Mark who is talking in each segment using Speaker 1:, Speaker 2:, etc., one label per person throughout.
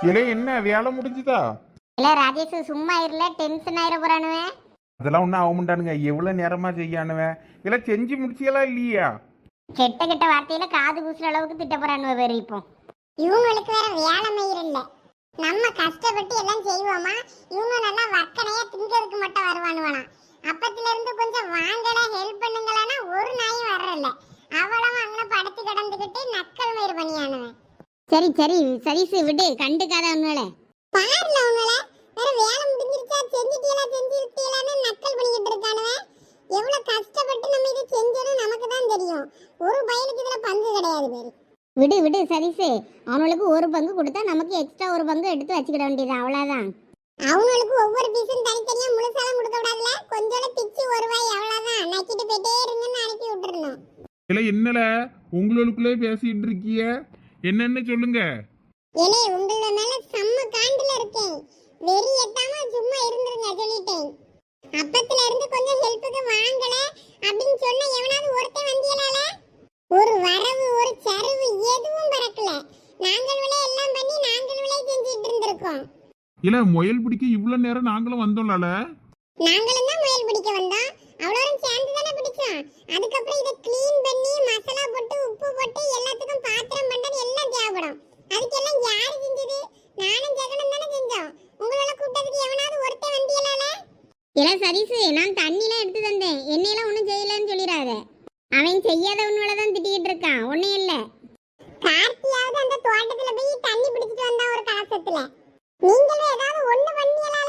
Speaker 1: இல்லை என்ன வேலை முடிஞ்சுதா?
Speaker 2: இல்ல ராஜேஷ் சும்மா இருல, டென்ஷன் ஆயிர போறானுவே.
Speaker 1: அதெல்லாம் ஒன்றும் ஆக மாட்டானுங்க. எவ்வளோ நேரமா செய்யானுவேன். இல்லை செஞ்சு முடிச்சியெல்லாம் இல்லையா?
Speaker 2: கெட்ட கெட்ட வார்த்தையில காது கூசுற அளவுக்கு திட்ட போறானுவ வேற. இப்போ இவங்களுக்கு வேற வேலை மயிர் இல்ல. நம்ம கஷ்டப்பட்டு எல்லாம் செய்வோமா, இவங்க நல்லா வக்கனையா திங்கிறதுக்கு மட்டும் வருவானுவானா. அப்பத்துல இருந்து கொஞ்சம் வாங்கல ஹெல்ப் பண்ணுங்களானா ஒரு நாயும் வர்றல. அவளும் அங்கே படுத்து கிடந்துக்கிட்டு நக்கல் மயிர் பண்ணியானுவேன். சரி சரி சரிசு விடு, கண்டுக்காத உன்னால பாருல உன்னால வேற வேலை முடிஞ்சிருச்சா, செஞ்சிட்டீங்களான்னு நக்கல் பண்ணிக்கிட்டு இருக்கானுவேன். எவ்வளவு கஷ்டப்பட்டு நம்ம இதை செஞ்சோன்னு நமக்கு தான் தெரியும். ஒரு பையனுக்கு இதுல பங்கு கிடையாது பேரு. விடு விடு சரிசு, அவனுக்கு ஒரு பங்கு கொடுத்தா நமக்கு எக்ஸ்ட்ரா ஒரு பங்கு எடுத்து வச்சுக்கிட வேண்டியது அவ்வளவுதான். அவனுக்கு ஒவ்வொரு பீஸும் தனித்தனியா முழுசாலும் கொடுக்க விடாதுல, கொஞ்சோட பிச்சு ஒரு வாய் அவ்வளவுதான் நக்கிட்டு போயிட்டே இருங்கன்னு அனுப்பி விட்டுறணும்.
Speaker 1: இல்லை என்னல உங்களுக்குள்ளே பேசிட்டு இருக்கிய, என்னன்னு சொல்லுங்க.
Speaker 2: ஏலே உங்கள மேல செம்ம காண்டுல இருக்கேன். வெறி எட்டாம சும்மா இருந்துருங்க சொல்லிட்டேன். அப்பத்துல இருந்து கொஞ்சம் ஹெல்ப்புக்கு வாங்கல அப்படின்னு சொன்ன எவனாவது ஒருத்தன் வந்தியலால? ஒரு வரவு ஒரு சருவு எதுவும் பறக்கல. நாங்களே எல்லாம் பண்ணி நாங்களே செஞ்சிட்டு இருந்திருக்கோம்.
Speaker 1: இல்ல முயல் பிடிக்க இவ்வளவு நேரம் நாங்களும் வந்தோம்ல.
Speaker 2: நாங்களும் தான் முயல் பிடிக்க வந்தோம். அவ்வளோரும் சேர்ந்து தானே பிடிச்சோம். அதுக்கப்புறம் இதை க்ளீன் பண்ணி மசாலா போட்டு உப்பு போட்டு எல்லாத்துக்கும் பாத்திரம் பண்ணது எல்லாம் தேவைப்படும். அதுக்கெல்லாம் யாரு செஞ்சது? நானும் ஜெகனும் தானே செஞ்சோம். உங்களோட கூட்டத்துக்கு எவனாவது ஒருத்தன் வந்தியலால? இல்ல சரிசு, நான் தண்ணிலாம் எடுத்து தந்தேன். என்னையெல்லாம் ஒன்றும் செய்யலன்னு சொல்லிடாத. அவன் செய்யாத உன்னோட தான் திட்டிகிட்டு இருக்கான், ஒன்றும் இல்லை. கார்த்தியாவது அந்த தோட்டத்துல போய் தண்ணி பிடிச்சிட்டு வந்தா ஒரு கலசத்துல. நீங்களும் ஏதாவது ஒண்ணு பண்ணியலால?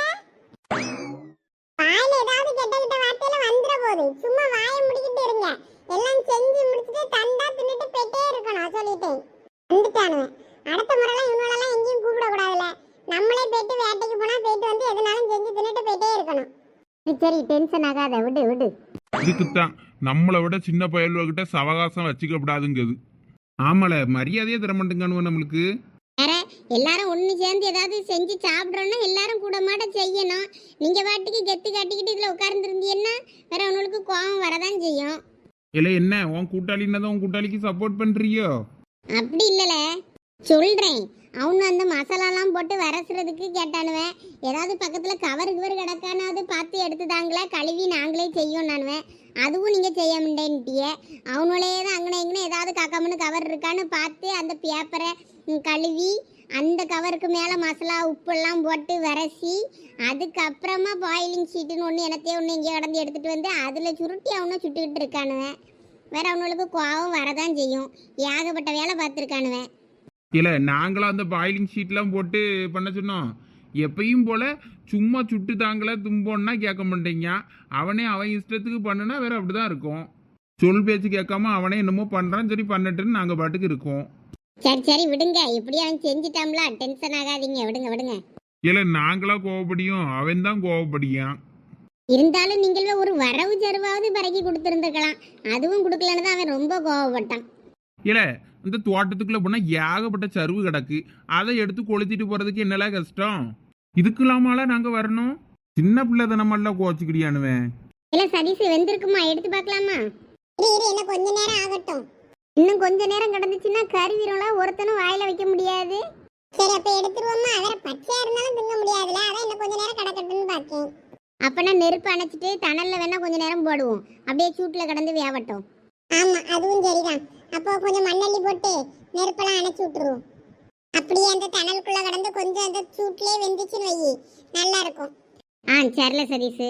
Speaker 2: வாயில ஏதாவது கெட்ட கெட்ட வார்த்தையில வந்துற போது சும்மா வாயை முடிக்கிட்டு இருங்க. எல்லாம் செஞ்சு முடிச்சிட்டு தண்டா தின்னுட்டு போயிட்டே இருக்கணும் சொல்லிட்டேன். வந்துட்டானுவேன். அடுத்த முறைலாம் இவங்களெல்லாம் எங்கேயும் கூப்பிட கூடாதுல. நம்மளே போயிட்டு வேட்டைக்கு போனா போயிட்டு வந்து எதனாலும் செஞ்சு தின்னுட்டு போயிட்டே இருக்கணும். சரி டென்ஷன் ஆகாத, விடு விடு.
Speaker 1: இதுக்குத்தான் நம்மளை விட சின்ன பயல்வகிட்ட சவகாசம் வச்சுக்க கூடாதுங்கிறது. ஆமால மரியாதையே தர மாட்டேங்கானுவ நம்மளுக்கு.
Speaker 2: வேற எல்லாரும் ஒண்ணு சேர்ந்து ஏதாவது செஞ்சு சாப்பிட்றோன்னா எல்லாரும் கூட மாட்ட செய்யணும். நீங்க பாட்டுக்கு கெத்து காட்டிக்கிட்டு இதுல உட்கார்ந்து இருந்தீங்கன்னா வேற அவங்களுக்கு கோபம் வரதான் செய்யும்.
Speaker 1: இல்ல என்ன உன் கூட்டாளின்னா உன் கூட்டாளிக்கு சப்போர்ட் பண்றியோ?
Speaker 2: அப்படி இல்லல சொல்றேன். அவனு அந்த மசாலாலாம் போட்டு வரசுறதுக்கு கேட்டானுவேன். ஏதாவது பக்கத்துல கவர் கிடக்கானாவது பார்த்து எடுத்து தாங்களா, கழுவி நாங்களே செய்யும் நானுவேன். அதுவும் நீங்க செய்ய முடியன்ட்டிய. அவனுளே தான் அங்கனே இங்கனே ஏதாவது காக்காமனு கவர் இருக்கான்னு பார்த்து அந்த பேப்பரை கழுவி அந்த கவருக்கு மேலே மசாலா உப்பெல்லாம் போட்டு வரசி அதுக்கப்புறமா பாயிலிங் ஷீட்டுன்னு ஒன்று எனத்தையே ஒன்று இங்கே கடந்து எடுத்துகிட்டு வந்து அதில் சுருட்டி அவனை சுட்டுக்கிட்டு இருக்கானுவேன். வேற அவனுக்கு கோவம் வரதான் செய்யும். ஏகப்பட்ட வேலை பார்த்துருக்கானுவேன்.
Speaker 1: இல்ல நாங்களும் அந்த பாயிலிங் ஷீட்லாம் போட்டு பண்ண சொன்னோம். எப்பயும் போல சும்மா சுட்டு தாங்கள தும்போன்னா கேட்க மாட்டேங்க. அவனே அவன் இஷ்டத்துக்கு பண்ணுனா வேற அப்படிதான் இருக்கும். சொல் பேச்சு கேட்காம அவனே என்னமோ பண்றான், சரி பண்ணட்டுன்னு நாங்க பாட்டுக்கு இருக்கோம்.
Speaker 2: சரி சரி விடுங்க, இப்படி அவன் செஞ்சிட்டாம்ல, டென்ஷன் ஆகாதீங்க, விடுங்க விடுங்க.
Speaker 1: இல்ல நாங்களா கோவப்படியும், அவன் தான் கோவப்படியான்.
Speaker 2: இருந்தாலும் நீங்களே ஒரு வரவு செருவாவது பறக்கி கொடுத்துருந்துருக்கலாம். அதுவும் கொடுக்கலன்னு தான் அவன் ரொம்ப கோவப்பட்டான்.
Speaker 1: இல்ல இந்த தோட்டத்துக்குள்ள போனா ஏகப்பட்ட சருவு கிடக்கு. அதை எடுத்து கொளுத்திட்டு போறதுக்கு என்னெல்லாம் கஷ்டம். இதுக்குலாமால நாங்க வரணும். சின்ன பிள்ளை தானமெல்லாம் கோச்சுக்கிடியானுவேன்.
Speaker 2: இல்ல சரிசு வெந்திருக்குமா, எடுத்து பார்க்கலாமா? இன்னும் கொஞ்ச நேரம் ஆகட்டும். இன்னும் கொஞ்ச நேரம் கிடந்துச்சுன்னா கருவிரலாம் ஒருத்தனும் வாயில வைக்க முடியாது. சரி அப்ப எடுத்துருவோமா? வேற பச்சையா இருந்தாலும் திங்க முடியாதுல, அதான் இன்னும் கொஞ்ச நேரம் கிடக்கட்டும்னு பார்த்தேன். அப்பனா நெருப்பு அணைச்சிட்டு தணல்ல வேணா கொஞ்ச நேரம் போடுவோம். அப்படியே சூட்டுல கிடந்து வேவட்டும். ஆமா அதுவும் சரிதான். அப்போ கொஞ்சம் மண்ணள்ளி போட்டு நெருப்பெல்லாம் அணைச்சி விட்டுருவோம். அப்படியே அந்த தணலுக்குள்ள கடந்து கொஞ்சம் அந்த சூட்லயே வெந்துச்சுன்னு வை, நல்லா இருக்கும். சரில சதீஷ்.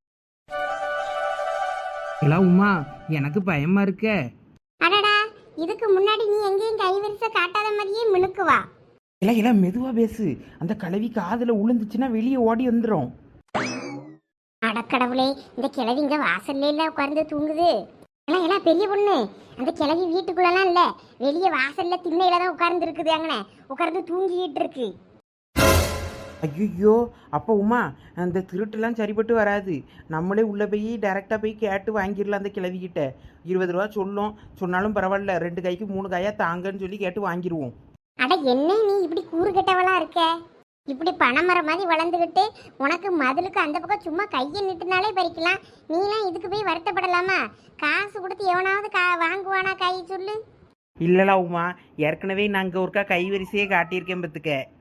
Speaker 3: எல்லாம் உமா, எனக்கு பயமா இருக்க.
Speaker 2: அடடா, இதுக்கு முன்னாடி நீ எங்கேயும் கைவரிசை காட்டாத மாதிரியே மினுக்குவா.
Speaker 3: எல்லாம் மெதுவா பேசு. அந்த கலவி காதுல உளுந்துச்சுன்னா வெளியே ஓடி வந்துடும்.
Speaker 2: அடக்கடவுளே, இந்த கிழவி இங்க வாசல்ல உட்கார்ந்து தூங்குது. எல்லாம் பெரிய பொண்ணு, அந்த கிழவி வீட்டுக்குள்ளலாம் இல்ல, வெளியே வாசல்ல திண்ணையில தான் உட்கார்ந்து இருக்குது. அங்கன உட்கார்ந்து தூங்கிட்டு இருக்கு.
Speaker 3: ஐயோ, அப்போ உமா அந்த திருட்டுலாம் சரிப்பட்டு வராது. நம்மளே உள்ளே போய் டைரெக்டாக போய் கேட்டு வாங்கிடலாம். அந்த கிழவிக்கிட்ட 20 ரூபா சொன்னாலும் பரவாயில்ல, 2 கைக்கு 3 காயா தாங்கன்னு சொல்லி கேட்டு வாங்கிடுவோம்.
Speaker 2: அட என்ன நீ இப்படி கூறு கெட்டவளா இருக்க? இப்படி பனைமரம் மாதிரி வளர்ந்துக்கிட்டு உனக்கு மதிலுக்கு அந்த பக்கம் சும்மா கையை நிட்டுனாலே பறிக்கலாம். நீலாம் இதுக்கு போய் வருத்தப்படலாமா? காசு கொடுத்து எவனாவது வாங்குவானா கை சொல்லு?
Speaker 3: இல்லைலா உமா, ஏற்கனவே நாங்கள் ஒருக்கா கைவரிசையே காட்டியிருக்கேன் பத்துக்க.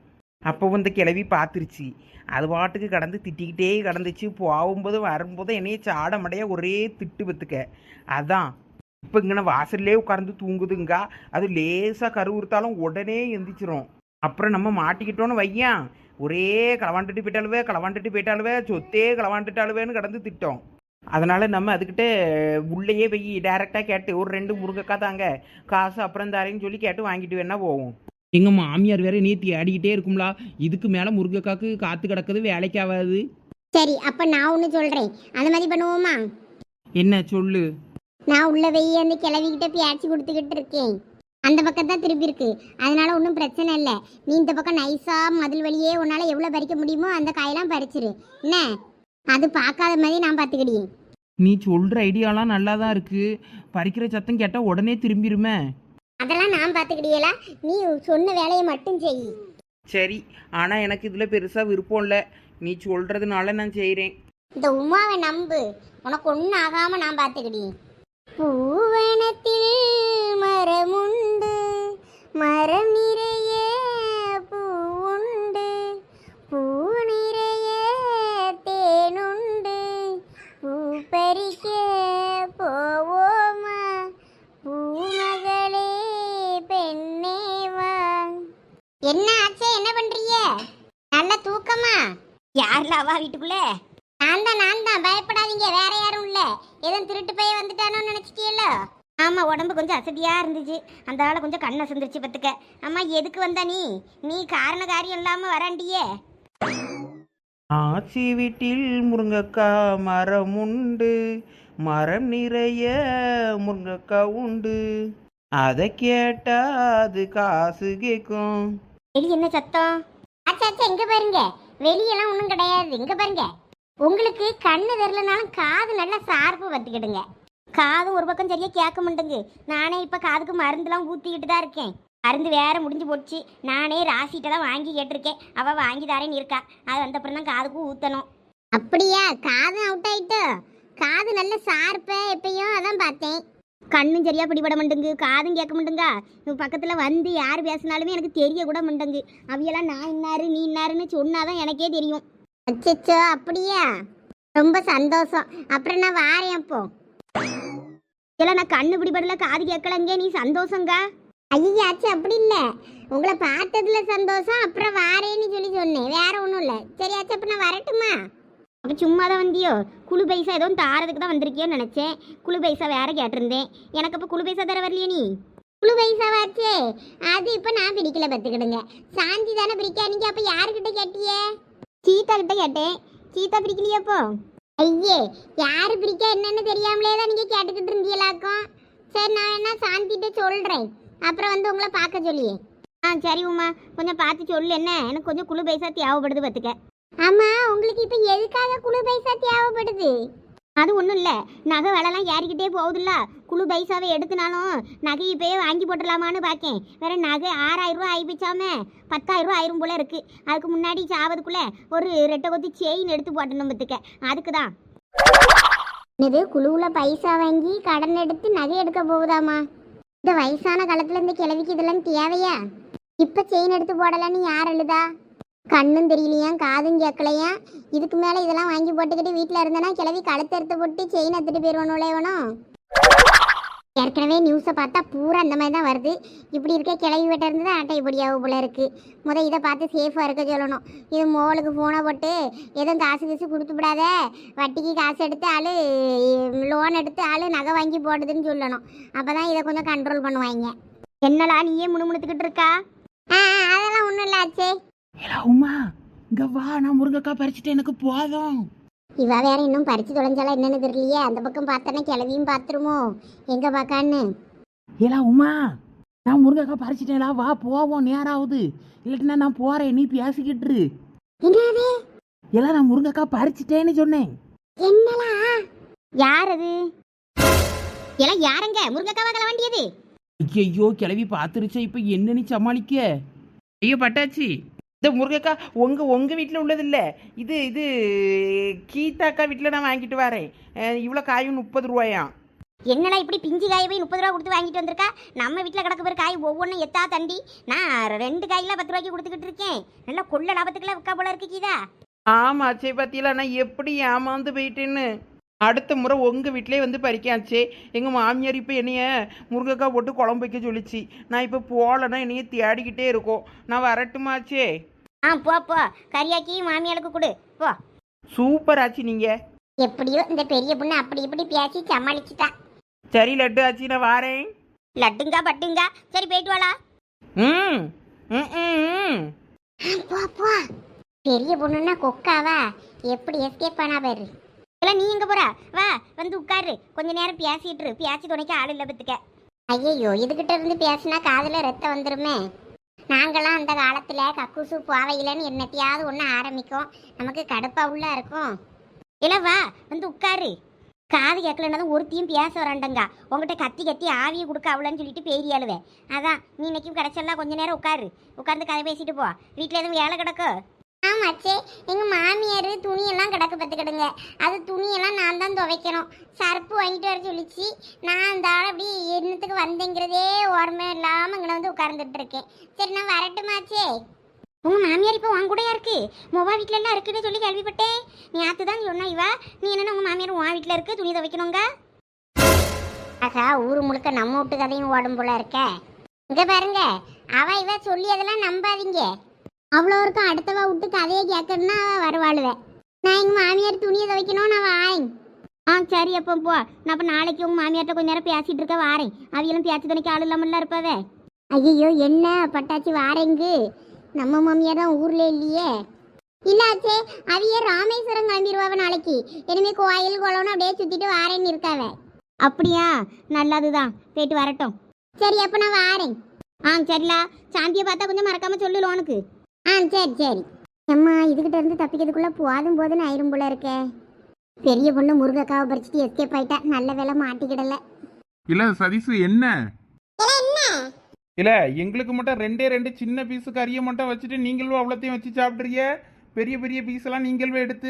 Speaker 3: அப்போ இந்த கிளவி பார்த்துருச்சு. அது பாட்டுக்கு கடந்து திட்டிக்கிட்டே கடந்துச்சு. போகும்போது வரும்போது என்னைய சாட மடைய ஒரே திட்டு பத்துக்க. அதான் இப்போ இங்கே வாசல்லே உட்கார்ந்து தூங்குதுங்க. அது லேசாக கருவுறுத்தாலும் உடனே எந்திரிச்சிரும். அப்புறம் நம்ம மாட்டிக்கிட்டோன்னு வையன், ஒரே களவாண்டுட்டு போயிட்டாலுவே சொத்தே களவாண்டுட்டாலுவேன்னு கடந்து திட்டோம். அதனால் நம்ம அதுக்கிட்ட உள்ளேயே போய் டைரெக்டாக கேட்டு ஒரு 2 முருங்கைக்காய் தாங்க, காசு அப்புறம் தாரேன்னு சொல்லி கேட்டு வாங்கிட்டு வேணா போவோம்.
Speaker 4: எங்கள் மாமியார் வேற நீ தேடிக்கிட்டே இருக்கும்லா. இதுக்கு மேலே முருங்கைக்காக்கு காற்று கிடக்குது, வேலைக்கு ஆகாது.
Speaker 2: சரி அப்ப நான் ஒண்ணு சொல்றேன், அந்த மாதிரி பண்ணுவோமா?
Speaker 3: என்ன சொல்லு?
Speaker 2: நான் உள்ள வெய்ய அந்த கிளவிக்கிட்ட பேச்சு கொடுத்துக்கிட்டு இருக்கேன். அந்த பக்கம் தான் திருப்பி இருக்கு, அதனால ஒன்றும் பிரச்சனை இல்லை. நீ இந்த பக்கம் நைஸா மதில் வழியே உன்னால எவ்வளவு பறிக்க முடியுமோ அந்த காயெல்லாம் பறிச்சிரு என்ன. அது பார்க்காத மாதிரி நான் பார்த்துக்கிடியேன்.
Speaker 3: நீ சொல்கிற ஐடியாலாம் நல்லா தான் இருக்குது. பறிக்கிற சத்தம் கேட்டால் உடனே திரும்பிடுமே.
Speaker 2: அதெல்லாம் நான் பார்த்துக்கிடியலா, நீ சொன்ன வேலையை மட்டும் செய்.
Speaker 3: சரி, ஆனால் எனக்கு இதில் பெருசாக விருப்பம் இல்லை. நீ சொல்கிறதுனால நான் செய்கிறேன்.
Speaker 2: இந்த உமாவை நம்பு, உனக்கு ஒன்றும் ஆகாம நான் பார்த்துக்கிடியேன். பூவனத்தில் மரமுண்டு, மரம் நிறைய பூவுண்டு, பூ நிறைய தேனுண்டு, பூ பறிக்க போவோமா பூமகளே பெண்ணேவா. என்ன ஆச்சே, என்ன பண்றீங்க? நல்ல தூக்கமா? யாருல அவா வீட்டுக்குள்ள? நான் தான் பயப்படாதீங்க, வேற யாரும் இல்ல. எதுவும் திருட்டு போய் வந்துட்டானோன்னு நினைச்சிட்டீங்களோ? ஆமா, உடம்பு கொஞ்சம் அசதியா இருந்துச்சு, அந்த ஆளை கொஞ்சம் கண்ணை சிந்துருச்சு பத்துக்க. அம்மா எதுக்கு வந்தா நீ காரண காரியம் இல்லாம வராண்டியே.
Speaker 3: ஆச்சி வீட்டில் முருங்கைக்காய் மரம் உண்டு, மரம் நிறைய முருங்கைக்காய் உண்டு, அதை கேட்டா அது காசு கேட்கும்.
Speaker 2: வெளிய என்ன சத்தம்? அச்சா இங்க பாருங்க, வெளியெல்லாம் ஒன்றும் கிடையாது. இங்க பாருங்க, உங்களுக்கு கண்ணு தெரியலனாலும் காது நல்லா சார்பு வத்துக்கிடுங்க. காது ஒரு பக்கம் சரியா கேட்க மாட்டேங்கு. நானே இப்ப காதுக்கு மருந்துலாம் ஊத்திக்கிட்டு தான் இருக்கேன். மருந்து வேற முடிஞ்சு போச்சு. நானே ராசிட்ட தான் வாங்கி கேட்டிருக்கேன், அவ வாங்கி தரேன்னு இருக்கா. அது வந்த அப்புறம் தான் காதுக்கும் ஊத்தணும். அப்படியா? காது அவுட் ஆயிட்டு காது நல்ல சார்ப எப்பயும் அதான் பார்த்தேன். கண்ணும் சரியா பிடிபட மாட்டேங்கு, காதும் கேட்க மாட்டேங்கா. பக்கத்துல வந்து யார் பேசினாலுமே எனக்கு தெரிய கூட மாட்டேங்கு. அவையெல்லாம் நான் இன்னாரு நீ இன்னாருன்னு சொன்னாதான் எனக்கே தெரியும். அச்சோ அப்படியா? ரொம்ப சந்தோஷம். அப்புறம் நான் வாரேன். அப்போ இதெல்லாம் நான் கண்ணு பிடிபடல, காது கேட்கலங்க, நீ சந்தோஷங்கா? ஐயாச்சு அப்படி இல்லை, உங்களை பார்த்ததுல சந்தோஷம். அப்புறம் வாரேன்னு சொன்னேன், வேற ஒன்றும் இல்லை. சரியாச்சு, அப்போ நான் வரட்டுமா? அப்போ சும்மா தான் வந்தியோ? குழு பைசா ஏதோ தாரதுக்கு தான் வந்திருக்கியோன்னு நினச்சேன். குழு பைசா வேற கேட்டிருந்தேன். எனக்கு அப்போ குழு பைசா தர வரலையே நீ? குழு பைசாவாச்சே, அது இப்போ நான் பிடிக்கல பத்துக்கிடுங்க. சாந்தி தானே பிடிக்க. நீங்கள் அப்போ யாருக்கிட்ட கேட்டியே? சீதா கிட்ட கேட்டேன். சீதா பிரிக்கலையாப்போ? ஐயே, யாரு பிரிக்கா என்னன்னு தெரியாமலே தான் நீங்க கேட்டுக்கிட்டு இருந்தீங்களாக்கும். சரி, நான் என்ன சாந்திட்ட சொல்றேன், அப்புறம் வந்து உங்களை பார்க்க சொல்லியே. சரி உமா, கொஞ்சம் பார்த்து சொல்லு. என்ன, எனக்கு கொஞ்சம் குழு பைசா தேவைப்படுது பார்த்துக்க. ஆமா, உங்களுக்கு இப்போ எதுக்காக குழு பைசா தேவைப்படுது? அது ஒன்றும் இல்லை, நகை விலைலாம் ஏறிக்கிட்டே போகுதுல்ல. குழு பைசாவை எடுத்துனாலும் நகை இப்போயே வாங்கி போட்டுடலாமான்னு பார்க்கேன். வேற நகை 6000 ரூபா ஆயிப்பிச்சாம 10,000 ரூபா ஆயிரும் போல இருக்கு. அதுக்கு முன்னாடி சாவதுக்குள்ள ஒரு 2 கொத்தி செயின் எடுத்து போட்டணும் பத்துக்க. அதுக்கு தான் இது குழுவில் பைசா வாங்கி கடன் எடுத்து நகை எடுக்க போகுதாமா. இந்த வயசான காலத்தில் இந்த கிழவிக்கு இதெல்லாம் தேவையா? இப்போ செயின் எடுத்து போடலான்னு யார் எழுதா? கண்ணும் தெரியலையா, காதும் கேட்கலையா. இதுக்கு மேலே இதெல்லாம் வாங்கி போட்டுக்கிட்டு வீட்டில் இருந்தேன்னா கிளவி கழுத்து எடுத்து போட்டு செயின் எடுத்துட்டு போயிடுவானோலே வேணும். ஏற்கனவே நியூஸை பார்த்தா பூரா அந்த மாதிரி தான் வருது. இப்படி இருக்க கிளவி வீட்டை இருந்து தான் ஆட்டை இப்படியாகும் போல இருக்குது. இதை பார்த்து சேஃபாக இருக்க சொல்லணும். இது மோளுக்கு ஃபோனை போட்டு எதுவும் காசு கொடுத்து விடாத, வட்டிக்கு காசு எடுத்து ஆள் லோன் எடுத்து ஆள் நகை வாங்கி போடுதுன்னு சொல்லணும். அப்போ தான் இதை கொஞ்சம் கண்ட்ரோல் பண்ணுவாங்க. என்னடா நீயே முணுமுணுத்துக்கிட்டு இருக்கா? அதெல்லாம் ஒன்றும் இல்லை ஆச்சே.
Speaker 3: ஏலா உமா, இங்க வா, நான் முருங்கைக்காய் பறிச்சுட்டு எனக்கு போதும்.
Speaker 2: இவ வேற இன்னும் பறிச்சு தொலைஞ்சாலும் என்னன்னு தெரியலையே. அந்த பக்கம் பார்த்தோன்னா கிளவியும் பார்த்துருமோ எங்க பார்க்கான்னு.
Speaker 3: ஏலா உமா, நான் முருங்கைக்காய் பறிச்சிட்டேலா, வா போவோம். நேரம் ஆகுது, இல்லாட்டினா நான் போறேன், நீ பேசிக்கிட்டு.
Speaker 2: என்னது?
Speaker 3: எல்லாம் நான் முருங்கைக்காய் பறிச்சிட்டேன்னு சொன்னேன்.
Speaker 2: என்னலா? யார் அது? எல்லாம் யாருங்க முருங்கைக்காய் வாங்கல வேண்டியது?
Speaker 3: ஐயோ, கிளவி பார்த்துருச்சே, இப்போ என்ன நீ சமாளிக்க? ஐயோ பட்டாச்சி, இந்த முருங்கைக்காய் உங்க வீட்டில் உள்ளது இல்லை, இது கீதாக்கா வீட்டில் நான் வாங்கிட்டு வரேன். இவ்வளோ காயும் 30 ரூபாயாம்.
Speaker 2: என்னடா இப்படி பிஞ்சு காய் போய் 30 ரூபா கொடுத்து வாங்கிட்டு வந்திருக்கா? நம்ம வீட்டில் கிடக்க பேர் காய் ஒவ்வொன்றும் எத்தா தண்டி. நான் 2 காய்லாம் 10 ரூபாய்க்கு கொடுத்துக்கிட்டு இருக்கேன். நல்லா கொள்ள லாபத்துக்குலாம் விற்கா போல இருக்கு கீதா.
Speaker 3: ஆமாச்சே பத்தியில நான் எப்படி ஏமாந்து போயிட்டேன்னு. அடுத்த முறை உங்கள் வீட்டிலே வந்து பறிக்காச்சே. எங்கள் மாமியார் இப்போ என்னைய முருங்கைக்காய் போட்டு குழம்பு வைக்க சொல்லிச்சு. நான் இப்போ போகலன்னா என்னைய தேடிக்கிட்டே இருக்கோம். நான் வரட்டுமாச்சே?
Speaker 2: போ போ, கரியாக்கி மாமியாளுக்கு கொடு போ.
Speaker 3: சூப்பர் ஆச்சு நீங்கள்.
Speaker 2: எப்படியோ இந்த பெரிய பொண்ணு அப்படி இப்படி பேசி சமாளிச்சுட்டா.
Speaker 3: சரி லட்டு ஆச்சு, நான் வாரேன்.
Speaker 2: லட்டுங்கா பட்டுங்கா, சரி போயிட்டு வாளா.
Speaker 3: ம் ம் ம்
Speaker 2: போ போ. பெரிய பொண்ணுன்னா கொக்காவா, எப்படி எஸ்கேப் பண்ணா பாரு. இல்லை நீ எங்க போற? வா வந்து உட்காரு, கொஞ்ச நேரம் பேசிட்டு பேசி துணைக்க ஆள் இல்லை பத்துக்க. ஐயோ இதுகிட்ட இருந்து பேசினா காதுல ரத்தம் வந்துருமே. நாங்களாம் அந்த காலத்துல கக்கூசு போவையிலன்னு என்னத்தையாவது ஒன்று ஆரம்பிக்கும், நமக்கு கடுப்பா உள்ள இருக்கும். இல்லை வா வந்து உட்காரு. காது கேட்கலன்னதும் ஒருத்தையும் பேச வராண்டங்க. உங்ககிட்ட கத்தி கத்தி ஆவியை கொடுக்க அவ்வளோன்னு சொல்லிட்டு பேரி அழுவேன். அதான் நீ இன்னைக்கும் கிடைச்சலாம், கொஞ்ச நேரம் உட்கார்ந்து கதை பேசிட்டு போ. வீட்டில் எதுவும் வேலை கிடக்கு? ஆமாச்சே, எங்கள் மாமியார் துணியெல்லாம் கிடக்கு பார்த்துக்கிடுங்க. அது துணியெல்லாம் நான் தான் துவைக்கணும். சர்ப்பு வாங்கிட்டு வர சொல்லிச்சு. நான் அந்த ஆள் அப்படி என்னத்துக்கு வந்தேங்கிறதே ஓர்மை இல்லாமல் இங்கே வந்து உட்கார்ந்துட்டு இருக்கேன். சரி நான் வரட்டுமாச்சே? உங்கள் மாமியார் இப்போ உன் கூடயா இருக்கு? மொபா வீட்டில எல்லாம் இருக்குன்னு சொல்லி கேள்விப்பட்டேன். நீ ஆத்து தான் சொன்னா இவா. நீ என்னென்ன உங்கள் மாமியார் உன் வீட்டில் இருக்கு, துணி துவைக்கணுங்க? ஆகா ஊர் முழுக்க நம்ம வீட்டு கதையும் ஓடும் போல இருக்க. இங்கே பாருங்க, இவ சொல்லி அதெல்லாம் நம்பாதீங்க. அவ்வளோ இருக்கும் அடுத்தவா விட்டு கதையை கேட்கணுன்னா வருவாளுவேன். நான் எங்கள் மாமியார் துணியை துவைக்கணும், நான் வாரேன். சரி அப்போ போ. நான் அப்போ நாளைக்கு உங்கள் மாமியார்ட்ட கொஞ்ச நேரம் பேசிகிட்டு இருக்க வாரேன். அவையெல்லாம் பேச்சு துணைக்கு ஆள் இல்லாமல்லாம் இருப்பாவே. ஐயோ என்ன பட்டாச்சு வாரேங்கு. நம்ம மாமியார் தான் ஊரில் இல்லையே. இல்லாச்சே அவைய ராமேஸ்வரம் கிளம்பிடுவாவ நாளைக்கு. இனிமே கோயில் குளம்னு அப்படியே சுற்றிட்டு வாரேன்னு இருக்காவ. அப்படியா, நல்லதுதான், போயிட்டு வரட்டும். சரி அப்போ நான் வாரேன். சரிலா, சாந்தியை பார்த்தா கொஞ்சம் மறக்காம சொல்லு உனக்கு. சரி சரி. அம்மா இதுகிட்ட இருந்து தப்பிக்கிறதுக்குள்ள போதுன்னு ஆயிரும் போல இருக்கே. பெரிய பொண்ணு முருங்கைக்காவை பறிச்சுட்டு எஸ்கேப் ஆயிட்டா. நல்ல வேலை மாட்டிக்கிடல.
Speaker 1: இல்ல சதீஷ் என்ன இல்ல, எங்களுக்கு மட்டும் 2 சின்ன பீஸு கறியை மட்டும் வச்சுட்டு நீங்களும் அவ்வளோத்தையும் வச்சு சாப்பிட்றீங்க. பெரிய பெரிய பீஸ் எல்லாம் நீங்களும் எடுத்து.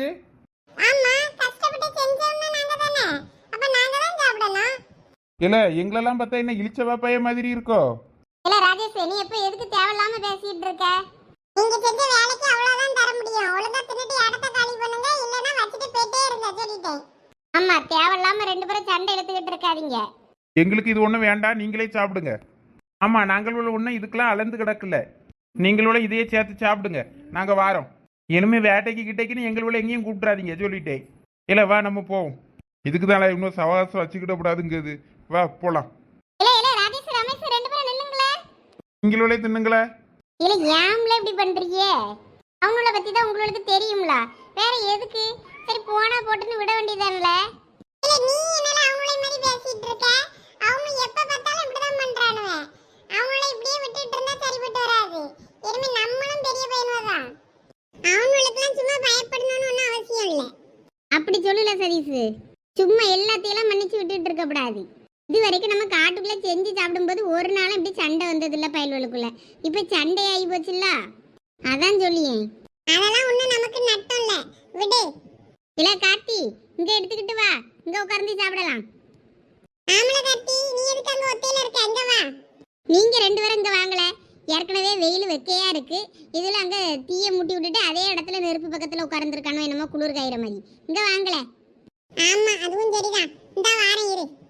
Speaker 1: இல்ல எங்களெல்லாம் பார்த்தா என்ன இழிச்சவா பைய மாதிரி இருக்கோ?
Speaker 2: இல்ல ராஜேஷ், நீ எப்ப எதுக்கு தேவையில்லாம பேசிட்டு இருக்க? நீங்க செஞ்ச வேலைக்கு அவ்வளவுதான் தர முடியும். ஒழுங்கா தின்னுட்டு இடத்த காலி பண்ணுங்க, இல்லனா வச்சிட்டு போயிட்டே இருங்க சொல்லிட்டேன். ஆமா, தேவையில்லாம 2 பேரும் சண்டை எடுத்துக்கிட்டு இருக்காதீங்க.
Speaker 1: எங்களுக்கு இது ஒன்றும் வேண்டாம், நீங்களே சாப்பிடுங்க. ஆமா, நாங்களோட ஒன்றும் இதுக்கெல்லாம் அளந்து கிடக்கல. நீங்களோட இதையே சேர்த்து சாப்பிடுங்க, நாங்க வாரோம். இனிமே வேட்டைக்கு கிட்டைக்குன்னு எங்களோட எங்கேயும் கூப்பிட்றாதீங்க சொல்லிட்டேன். இல்ல வா நம்ம போவோம். இதுக்கு தான் இன்னும் சவாசம் வச்சுக்கிட கூடாதுங்கிறது. வா போலாம்.
Speaker 2: இல்ல இல்ல ராஜேஷ் ரமேஷ் 2 பேரும் நில்லுங்களே.
Speaker 1: நீங்களோட தின்னுங்களே.
Speaker 2: இல்ல ஏம்ல இப்படி பண்றீங்க? அவங்கள பத்தி தான் உங்களுக்கு தெரியும்ல, வேற எதுக்கு? சரி போனா போட்டுன்னு விட வேண்டியதானல. இல்ல நீ என்னல அவங்களே மாதிரி பேசிட்டு இருக்க? அவங்க எப்ப பார்த்தாலும் இப்படி தான் பண்றானுங்க. அவங்களே இப்படியே விட்டுட்டு இருந்தா சரிப்பட்டு வராது. இனிமே நம்மளும் பெரிய பையன்தான். அவங்களுக்குலாம் சும்மா பயப்படணும்னு ஒன்றும் அவசியம் இல்லை. அப்படி சொல்லல சதீஷ், சும்மா எல்லாத்தையும் மன்னிச்சு விட்டுட்டு இருக்க கூடாது. இது வரைக்கும் நம்ம காட்டுக்குள்ள செஞ்சு சாப்பிடும்போது ஒரு நாளும் இப்படி சண்டை வந்ததில்ல பயல்களுக்குள்ள. இப்ப சண்டை ஆகி போச்சுல்ல, அதான் சொல்லியேன். அதெல்லாம் ஒண்ணு நமக்கு நட்டம் இல்ல, விடு. இல்ல கார்த்தி, இங்க எடுத்துக்கிட்டு வா, இங்க உட்கார்ந்து சாப்பிடலாம். ஆமல கார்த்தி, நீ எதுக்கு அங்க ஒத்தையில இருக்க? இங்க வா. நீங்க 2 பேரும் இங்க வாங்கல. ஏற்கனவே வெயில் வெக்கையா இருக்கு. இதுல அங்க தீயை மூட்டி விட்டுட்டு அதே இடத்துல நெருப்பு பக்கத்துல உட்கார்ந்துருக்கானோ என்னமோ குளிர் காயிற மாதிரி. இங்க வாங்கல. ஆமா அதுவும் சரிதான். இந்த வாரம் இரு.